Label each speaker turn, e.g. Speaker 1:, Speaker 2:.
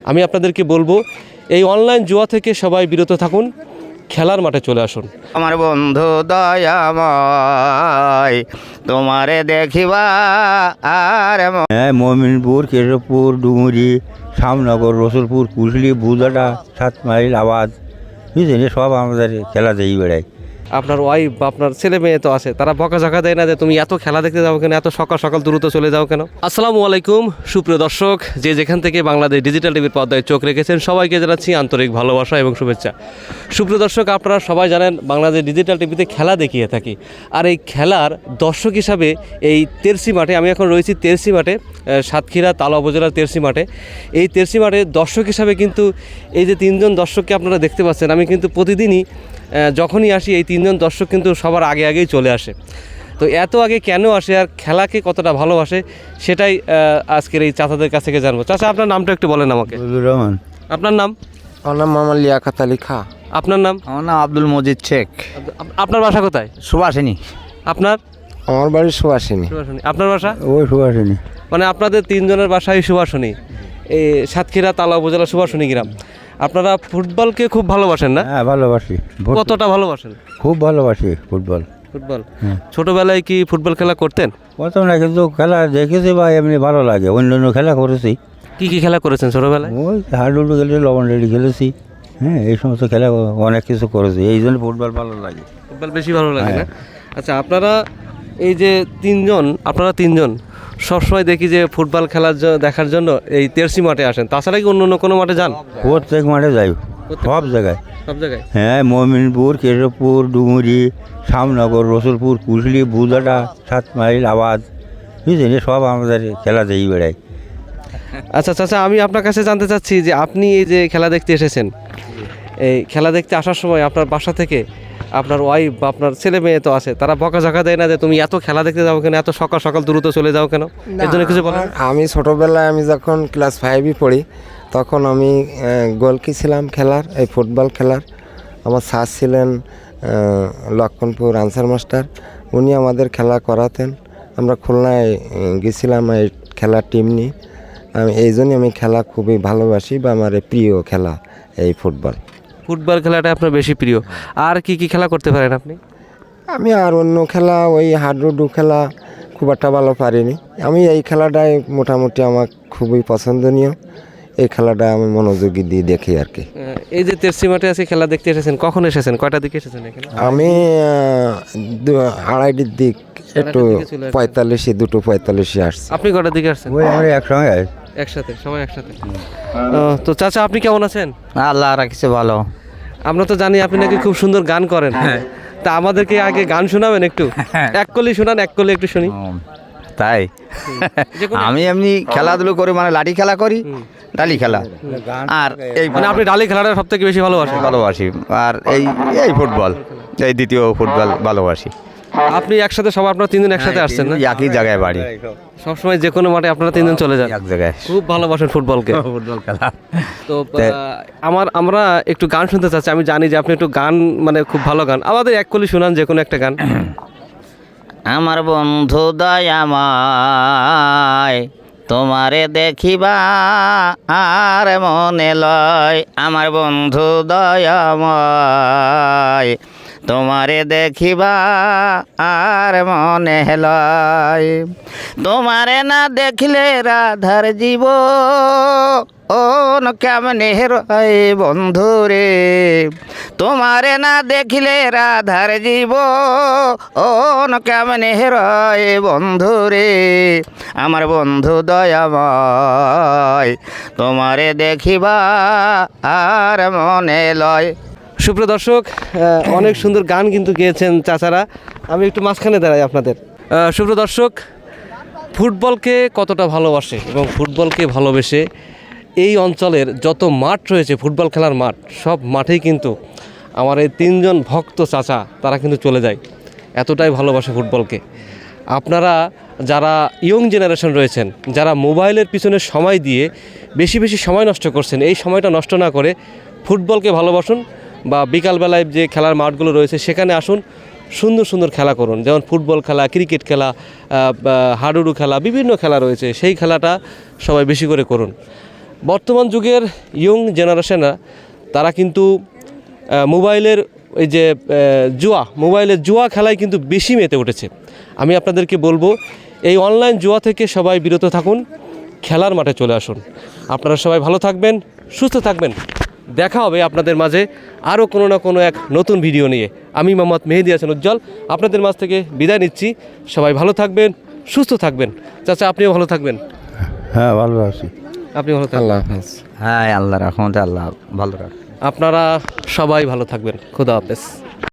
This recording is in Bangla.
Speaker 1: আমি আপনাদেরকে বলবো এই অনলাইন জুয়া থেকে সবাই বিরত থাকুন, খেলার মাঠে চলে আসুন।
Speaker 2: আমার বন্ধু দয়াময় তোমারে দেখিবা আর
Speaker 3: মমিনপুর, কেশবপুর, ডুমুরি, শ্যামনগর, রসুলপুর, কুশলি, বুদাটা, 7 মাইল, আবাদ, বুঝলেন, সব আমাদের খেলা দেই বেড়ায়।
Speaker 1: আপনার ওয়াইফ বা আপনার ছেলে মেয়ে তো আছে, তারা বকাঝকা দেয় না যে তুমি এত খেলা দেখতে যাও কেন, এত সকাল সকাল দ্রুত চলে যাও কেন? আসসালামু আলাইকুম সুপ্রিয় দর্শক, যে যেখান থেকে বাংলাদেশ ডিজিটাল টিভির পর্দায় চোখ রেখেছেন সবাইকে জানাচ্ছি আন্তরিক ভালোবাসা এবং শুভেচ্ছা। সুপ্রিয় দর্শক, আপনারা সবাই জানেন বাংলাদেশ ডিজিটাল টিভিতে খেলা দেখিয়ে থাকি, আর এই খেলার দর্শক হিসাবে এই তেরসি মাঠে, আমি এখন রয়েছি তেরসি মাঠে, সাতক্ষীরা তালা উপজেলার তেরসি মাঠে। এই তেরসি মাঠে দর্শক হিসাবে কিন্তু এই যে 3 জন দর্শককে আপনারা দেখতে পাচ্ছেন, আমি কিন্তু প্রতিদিনই যখনই আসি এই 3 জন দর্শক কিন্তু সবার আগেই চলে আসে। তো এত আগে কেন আসে আর খেলাকে কতটা ভালোবাসে সেটাই আজকের এই চাচাদের কাছ থেকে জানবো। চাচা, আপনার নামটা একটু বলেন আমাকে।
Speaker 3: রহমান।
Speaker 1: আপনার নাম?
Speaker 4: আমার নাম মোহাম্মদ লিয়াকত আলী খা।
Speaker 1: আপনার নাম?
Speaker 2: আমার নাম আব্দুল মজিদ শেখ।
Speaker 1: আপনার বাসা কোথায়?
Speaker 2: সুভাষিনী।
Speaker 1: আপনার?
Speaker 4: আমার বাড়ি সুভাষিনী।
Speaker 1: সুভাষণী। আপনার বাসা?
Speaker 3: ওই সুভাষিনী।
Speaker 1: মানে আপনাদের 3 জনের বাসায় সুভাষণী, এই সাতক্ষীরা তালা উপজেলা সুভাষণী গ্রাম। আপনারা ফুটবলকে খুব ভালোবাসেন না?
Speaker 3: হ্যাঁ, ভালোবাসি।
Speaker 1: কতটা ভালোবাসেন?
Speaker 3: খুব ভালোবাসি ফুটবল।
Speaker 1: ফুটবল
Speaker 3: হ্যাঁ।
Speaker 1: ছোটবেলায় কি ফুটবল খেলা করতেন?
Speaker 3: প্রথম না, কিন্তু খেলা দেখেছি বা এমনি ভালো লাগে। অন্য খেলা করেছি।
Speaker 1: কি খেলা করেছেন ছোটবেলায়?
Speaker 3: ওই হাডুডু খেলেছি, লবণ রেডি খেলেছি। হ্যাঁ, এই সমস্ত খেলা অনেক কিছু করেছি, এই জন্য ফুটবল ভালো লাগে।
Speaker 1: ফুটবল বেশি ভালো লাগে না? আচ্ছা, আপনারা এই যে 3 জন, আপনারা 3 জন সবসময় দেখি যে ফুটবল খেলার দেখার জন্য এই তেরসি মাঠে আসেন, তাছাড়া কি অন্য কোনো মাঠে যান?
Speaker 3: প্রত্যেক মাঠে যাই, সব জায়গায়।
Speaker 1: সব জায়গায়?
Speaker 3: হ্যাঁ, মমিনপুর, কেশবপুর, ডুমুরি, শ্যামনগর, রসুলপুর, কুশলি, বুদাটা, 7 মাইল, আবাদ, বুঝলেন, সব আমাদের খেলা দেই বেড়ায়।
Speaker 1: আচ্ছা চাচা, আমি আপনার কাছে জানতে চাচ্ছি যে আপনি এই যে খেলা দেখতে এসেছেন, এই খেলা দেখতে আসার সময় আপনার বাসা থেকে আপনার ওয়াইফ বা আপনার ছেলে মেয়ে তো আছে, তারা বকাঝকা দেয় না যে তুমি এত খেলা দেখতে যাও কেন, এত সকাল সকাল দ্রুত চলে যাও কেন? এর জন্য কিছু বলেন?
Speaker 4: আমি ছোটোবেলায় আমি যখন ক্লাস 5-এ পড়ি তখন আমি গোলকি ছিলাম খেলার, এই ফুটবল খেলার। আমার স্যার ছিলেন লক্ষণপুর আনসার মাস্টার, উনি আমাদের খেলা করাতেন। আমরা খুলনায় গেছিলাম এই খেলার টিম নিয়ে। এই জন্যই আমি খেলা খুবই ভালোবাসি বা আমার প্রিয় খেলা এই ফুটবল।
Speaker 1: ফুটবল খেলাটা আপনার বেশি প্রিয়। আর কি খেলা করতে পারেন আপনি?
Speaker 4: আমি আর অন্য খেলা, ওই হাডুডু খেলা খুব একটা ভালো পারিনি। আমি এই খেলাটাই মোটামুটি আমার খুবই পছন্দনীয়। এই খেলাটা আমি মনোযোগী দিয়ে দেখি আর কি।
Speaker 1: এই যে তেরসি মাঠে আছে খেলা দেখতে এসেছেন, কখন এসেছেন, কয়টার দিকে এসেছেন এখানে?
Speaker 4: আমি 2:30-এর দিক, একটু 2:45 আসছি।
Speaker 1: আপনি কয়টার দিকে আসছেন?
Speaker 3: ওই আমরা একসঙ্গে
Speaker 1: একসাথে, সবাই একসাথে। তো চাচা, আপনি কেমন আছেন?
Speaker 2: আল্লাহ রাখছে ভালো।
Speaker 1: আমরা তো জানি আপনি নাকি খুব সুন্দর গান করেন, তা আমাদেরকে আগে গান শোনাবেন একটু। এক কলি শোনান, এক কলি একটু শুনি।
Speaker 2: তাই আমি এমনি খেলাধুলো করি, মানে লাঠি খেলা করি, ডালি খেলা, আর এই
Speaker 1: মানে আপনি ডালি খেলাটা সব থেকে বেশি ভালোবাসেন?
Speaker 2: ভালোবাসি। আর এই ফুটবল, এই দ্বিতীয় ফুটবল ভালোবাসি।
Speaker 1: আপনি একসাথে সব আপনারা 3 জন একসাথে আসছেন না?
Speaker 2: একই জায়গায় বাড়ি,
Speaker 1: সবসময় যে কোনো মাঠে আপনারা 3 জন চলে যান,
Speaker 2: এক জায়গায়।
Speaker 1: খুব ভালোবাসেন ফুটবলকে।
Speaker 2: ফুটবল খেলা।
Speaker 1: তো আমরা একটু গান শুনতে চাচ্ছি। আমি জানি যে আপনি একটু গান, মানে খুব ভালো গান, আমাদের এক কলি শোনান যে কোনো একটা গান।
Speaker 2: আমার বন্ধু দয়াময় তোমারে দেখিবা আর মনে লয়, আমার বন্ধু দয়াময় তোমারে দেখিবা আর মনে লয়, তোমারে না দেখলে রাধার জীব ও কেমনে রয় বন্ধু রে, তোমারে না দেখিলে রাধার জীব ও কেমনে রয় বন্ধু রে, আমার বন্ধু দয়াময় তোমারে দেখিবা আর মনে লয়।
Speaker 1: সুপ্রিয় দর্শক, অনেক সুন্দর গান কিন্তু গেয়েছেন চাচারা। আমি একটু মাঝখানে দাঁড়াই আপনাদের। সুপ্রিয় দর্শক, ফুটবলকে কতটা ভালোবাসে এবং ফুটবলকে ভালোবেসে এই অঞ্চলের যত মাঠ রয়েছে, ফুটবল খেলার মাঠ, সব মাঠেই কিন্তু আমার এই 3 জন ভক্ত চাচা তারা কিন্তু চলে যায়, এতটাই ভালোবাসে ফুটবলকে। আপনারা যারা ইয়ং জেনারেশন রয়েছেন, যারা মোবাইলের পিছনে সময় দিয়ে বেশি সময় নষ্ট করছেন, এই সময়টা নষ্ট না করে ফুটবলকে ভালোবাসুন, বা বিকালবেলায় যে খেলার মাঠগুলো রয়েছে সেখানে আসুন, সুন্দর সুন্দর খেলা করুন। যেমন ফুটবল খেলা, ক্রিকেট খেলা, হাডুডু খেলা, বিভিন্ন খেলা রয়েছে, সেই খেলাটা সবাই বেশি করে করুন। বর্তমান যুগের ইয়ং জেনারেশনরা তারা কিন্তু মোবাইলের এই যে মোবাইলের জুয়া খেলায় কিন্তু বেশি মেতে উঠেছে। আমি আপনাদেরকে বলবো এই অনলাইন জুয়া থেকে সবাই বিরত থাকুন, খেলার মাঠে চলে আসুন। আপনারা সবাই ভালো থাকবেন, সুস্থ থাকবেন। দেখা হবে আপনাদের মাঝে আরও কোনো না কোনো এক নতুন ভিডিও নিয়ে। আমি মোহাম্মদ মেহেদী হাসান উজ্জ্বল আপনাদের মাঝ থেকে বিদায় নিচ্ছি। সবাই ভালো থাকবেন, সুস্থ থাকবেন। চাচা আপনিও ভালো থাকবেন।
Speaker 3: হ্যাঁ ভালো আছি।
Speaker 1: আপনি ভালো থাকবেন।
Speaker 4: আল্লাহ হাফেজ।
Speaker 2: হ্যাঁ আল্লাহ রাখমতে আল্লাহ ভালো রাখ।
Speaker 1: আপনারা সবাই ভালো থাকবেন। খোদা হাফেজ।